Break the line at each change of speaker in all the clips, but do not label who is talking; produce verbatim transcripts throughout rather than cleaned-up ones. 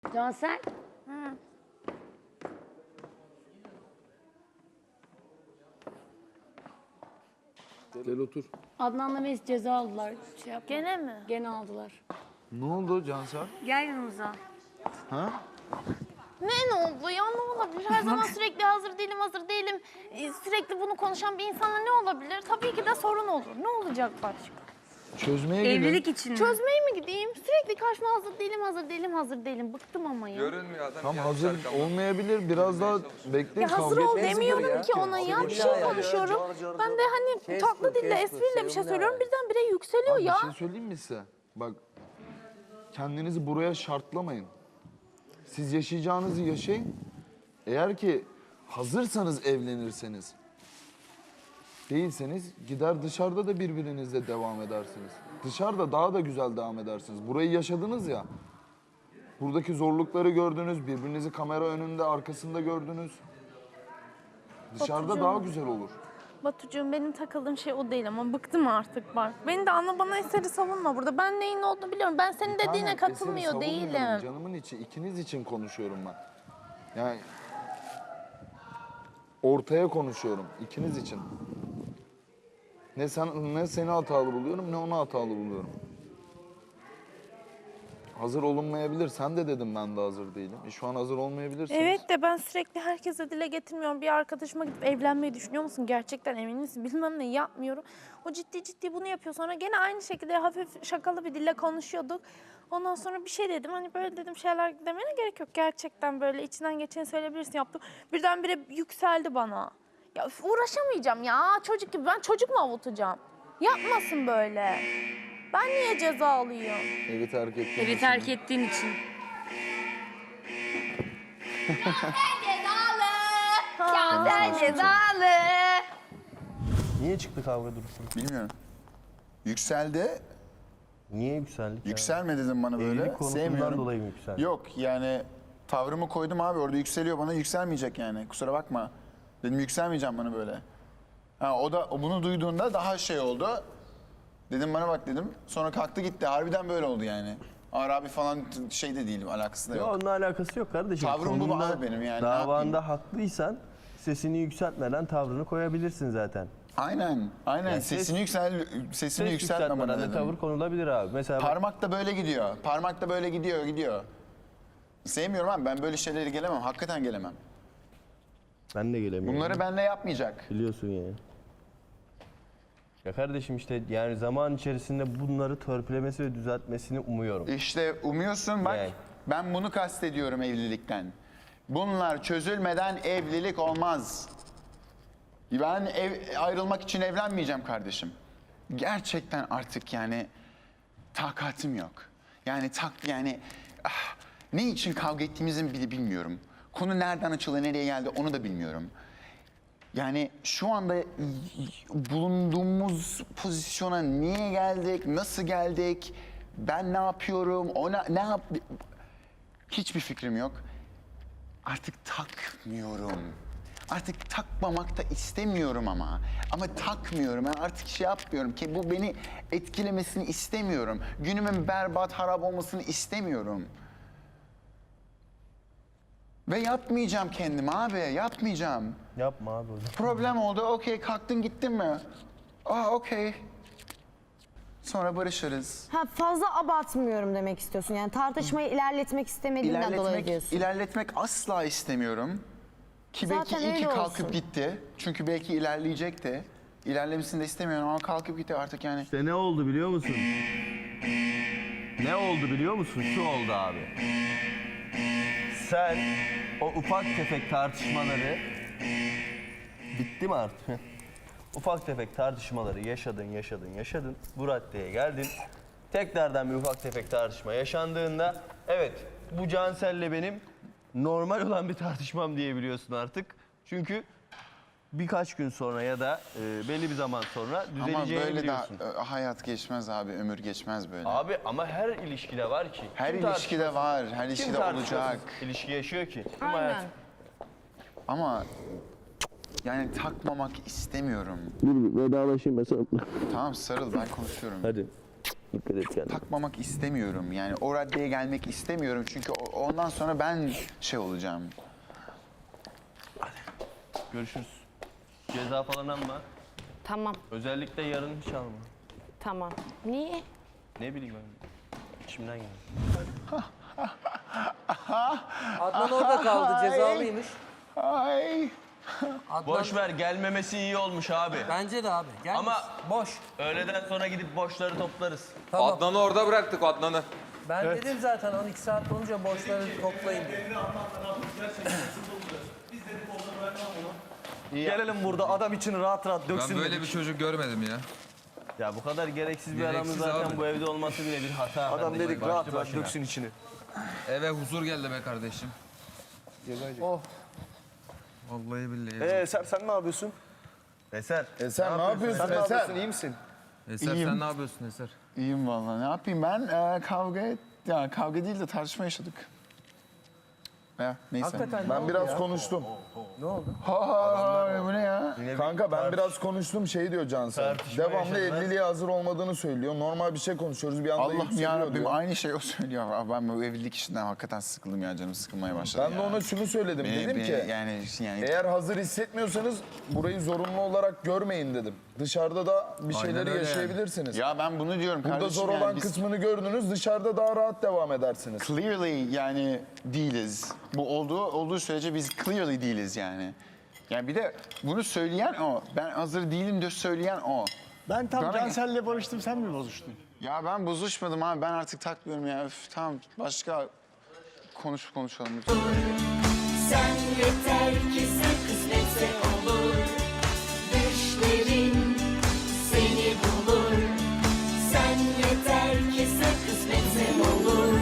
Cansel.
Hı.
Gel otur.
Adnan'la Melis ceza aldılar. Şey yapma.
Gene mi?
Gene aldılar.
Ne oldu Cansel?
Gel yanımıza.
Ha?
Ne ne oldu ya, ne olabilir? Her zaman sürekli hazır değilim, hazır değilim. Ee, sürekli bunu konuşan bir insana ne olabilir? Tabii ki de sorun olur. Ne olacak başka?
Çözmeye gidin.
Evlilik için mi?
Çözmeye mi gideyim? Sürekli karşıma hazır değilim, hazır değilim, hazır değilim. Bıktım ama ya.
Görünmüyor adam.
Tam
yanlış
hazır
arkamda.
olmayabilir. Biraz daha bekleyin.
Ya hazır
kavga
ol
etmeyin.
demiyorum ki ona ya. Bir şey konuşuyorum. Ben de hani tatlı dille, espriyle bir şey söylüyorum. Birdenbire yükseliyor
Abi
ya.
bir şey söyleyeyim mi size? Bak, kendinizi buraya şartlamayın. Siz yaşayacağınızı yaşayın. Eğer ki hazırsanız evlenirseniz, değilseniz gider dışarıda da birbirinizle devam edersiniz. Dışarıda daha da güzel devam edersiniz. Burayı yaşadınız ya. Buradaki zorlukları gördünüz, birbirinizi kamera önünde, arkasında gördünüz. Dışarıda
Batucuğum.
daha güzel olur.
Batucuğum, benim takıldığım şey o değil ama bıktım artık bak. Beni de anla, bana eseri savunma burada. Ben neyin olduğunu biliyorum. Ben senin dediğine
Aynen,
katılmıyor
eseri savunmuyorum.
değilim.
Canımın içi, ikiniz için konuşuyorum ben. Yani ortaya konuşuyorum, ikiniz için. Ne sen ne seni hatalı buluyorum, ne onu hatalı buluyorum. Hazır olunmayabilir. Sen de dedim ben de hazır değilim. E şu an hazır olmayabilirsiniz.
Evet de ben sürekli herkese dile getirmiyorum. Bir arkadaşıma gidip evlenmeyi düşünüyor musun? Gerçekten emin misin? Bilmem ne yapmıyorum. O ciddi ciddi bunu yapıyor. Sonra gene aynı şekilde hafif şakalı bir dille konuşuyorduk. Ondan sonra bir şey dedim. Hani böyle dedim, şeyler demene gerek yok. Gerçekten böyle içinden geçeni söyleyebilirsin yaptım. Birdenbire yükseldi bana. Ya üf, uğraşamayacağım ya. Çocuk gibi. Ben çocuk mu avutacağım? Yapmasın böyle. Ben niye ceza alayım?
Evi terk ettiğin
Evi
için.
terk ettiğin için.
Cansel cezalı.
Niye çıktı kavga Dursun?
Bilmiyorum. Yükseldi.
Niye yükseldik ya?
Yükselme dedim bana böyle.
Evlilik konusundan
Sevmiyorum.
dolayı mı yükseldi?
Yok yani tavrımı koydum abi, orada yükseliyor, bana yükselmeyecek yani. Kusura bakma. Dedim yükselmeyeceğim bana böyle. Ha, o da o bunu duyduğunda daha şey oldu. Dedim bana bak dedim. Sonra kalktı gitti. Harbiden böyle oldu yani. Ağır abi falan şey de değilim, alakası da
Ya
yok.
onunla alakası yok kardeşim.
Tavrım bu
Konunda,
abi benim yani, ne
Davanda haklıysan sesini yükseltmeden tavrını koyabilirsin zaten.
Aynen. Aynen.
Yani
sesini
ses-
yüksel sesini
Ses
yükseltme bana
yükseltmeden de
dedim.
tavır konulabilir abi. Mesela bak,
Parmak da böyle gidiyor. Parmak da böyle gidiyor, gidiyor. Sevmiyorum abi, ben böyle şeylere gelemem. Hakikaten gelemem.
ben de gelemiyorum.
Bunları benimle yapmayacak.
Biliyorsun yani. Ya kardeşim işte yani zaman içerisinde bunları törpülemesi ve düzeltmesini umuyorum.
İşte umuyorsun bak,
Yani.
ben bunu kastediyorum evlilikten. Bunlar çözülmeden evlilik olmaz. Ben ev, ayrılmak için evlenmeyeceğim kardeşim. Gerçekten artık yani takatim yok. Yani tak yani ah, ne için kavga ettiğimizi bile bilmiyorum. Konu nereden açıldı, nereye geldi onu da bilmiyorum. Yani şu anda bulunduğumuz pozisyona niye geldik, nasıl geldik, ben ne yapıyorum, ona ne yap... Hiçbir fikrim yok. Artık takmıyorum. Artık takmamak da istemiyorum ama. Ama takmıyorum. Ben artık şey yapmıyorum ki bu beni etkilemesini istemiyorum. Günümün berbat, harap olmasını istemiyorum. Ve yapmayacağım kendim abi, yapmayacağım.
Yapma abi öyle.
Problem oldu, okey, kalktın gittin mi? Aa, okey. Sonra barışırız.
Ha, fazla abartmıyorum demek istiyorsun. Yani tartışmayı ilerletmek istemediğinden dolayı
İlerletmek,
diyorsun.
ilerletmek asla istemiyorum. Ki belki
Zaten
iyi ki
öyle
kalkıp
olsun.
gitti. Çünkü belki ilerleyecekti. İlerlemesini de istemiyorum ama kalkıp gitti artık yani.
İşte ne oldu biliyor musun? Ne oldu biliyor musun? Şu oldu abi. Sen o ufak tefek tartışmaları bitti mi artık? Ufak tefek tartışmaları yaşadın, yaşadın, yaşadın. Bu raddeye geldin. Tekrardan bir ufak tefek tartışma yaşandığında evet bu Cansel'le benim normal olan bir tartışmam diyebiliyorsun artık. Çünkü birkaç gün sonra ya da e, belli bir zaman sonra
Ama
düzeleceğini
böyle de
biliyorsun.
e, hayat geçmez abi, ömür geçmez böyle.
Abi ama her ilişkide var ki.
Her
Kim
ilişkide
tartışmasız-
var, her
kim
ilişkide
tartışmasız
olacak.
ilişki yaşıyor ki. Değil mi
Aynen.
hayatım?
Ama yani takmamak istemiyorum.
Dur vedalaşayım mesela.
Tamam sarıl, ben konuşuyorum.
Hadi. Dikkat et kendine.
takmamak istemiyorum. Yani o raddeye gelmek istemiyorum. Çünkü o- ondan sonra ben şey olacağım.
Görüşürüz. Ceza falan alma.
Tamam,
Özellikle yarın hiç alma.
tamam. Niye?
Ne bileyim ben. İçimden geldi.
Adnan orada kaldı, cezalıymış.
Ay.
Adnan,
Boş ver, gelmemesi iyi olmuş abi.
Bence de abi. Gel
Ama-
boş.
Öğleden sonra gidip boşları toplarız.
Tamam.
Adnan'ı orada bıraktık Adnan'ı.
Ben dedim zaten on iki saat olunca boşları toplayın diye.
Gelelim burada adam için rahat rahat döksün
Ben böyle
dedik.
bir çocuk görmedim ya.
Ya bu kadar gereksiz bir
Gereksiz
adamın zaten
abi.
bu evde olması bile bir hata.
Adam
kardeşim,
dedik
başlı
rahat rahat
başına.
döksün içini.
Eve huzur geldi be kardeşim.
Oh.
Vallahi billahi.
Ee Eser sen ne yapıyorsun?
Eser.
Eser ne yapıyorsun
Sen ne yapıyorsun?
Eser?
İyi misin?
Eser
İyiyim.
sen ne yapıyorsun Eser?
İyiyim vallahi. Ne yapayım ben? Ee, kavga et. Ya kavga değil de tartışma yaşadık. Ya neyse.
Hakikaten ne
Ben
oldu
biraz
ya?
konuştum.
Ne oldu?
Ha ha ha, bu ne ya?
Kanka ben biraz konuştum şey diyor Cansel.
Tartışma
Devamlı
yaşadılar.
evliliğe hazır olmadığını söylüyor. Normal bir şey konuşuyoruz bir anda
Allah'ım
yükseliyor
yarabbim
diyor.
aynı şey o söylüyor. Abi ben bu evlilik işinden hakikaten sıkıldım ya, canım sıkılmaya başladı
Ben
ya.
de ona şunu söyledim.
Beni-
dedim
beni
ki
yani yani
eğer hazır hissetmiyorsanız burayı zorunlu olarak görmeyin dedim. Dışarıda da bir
Aynen
şeyleri
öyle yani.
yaşayabilirsiniz.
ya ben bunu diyorum
Burada
kardeşim.
zor
yani
olan
biz
kısmını gördünüz, dışarıda daha rahat devam edersiniz.
clearly yani değiliz. Bu olduğu olduğu sürece biz clearly değiliz yani. Yani bir de bunu söyleyen o. Ben hazır değilim diye söyleyen o.
Ben tam
Bana-
Cansel'le barıştım, sen mi bozuştun?
Ya ben bozuşmadım abi. Ben artık takmıyorum ya. Üf, tamam başka konuş konuşalım lütfen.
Sen yeter ki sen kısmetse olur. Düşlerin seni bulur. Sen yeter ki sen kısmetse olur.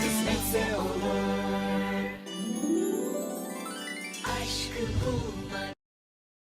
Kısmetse olur. Aşkı bulmak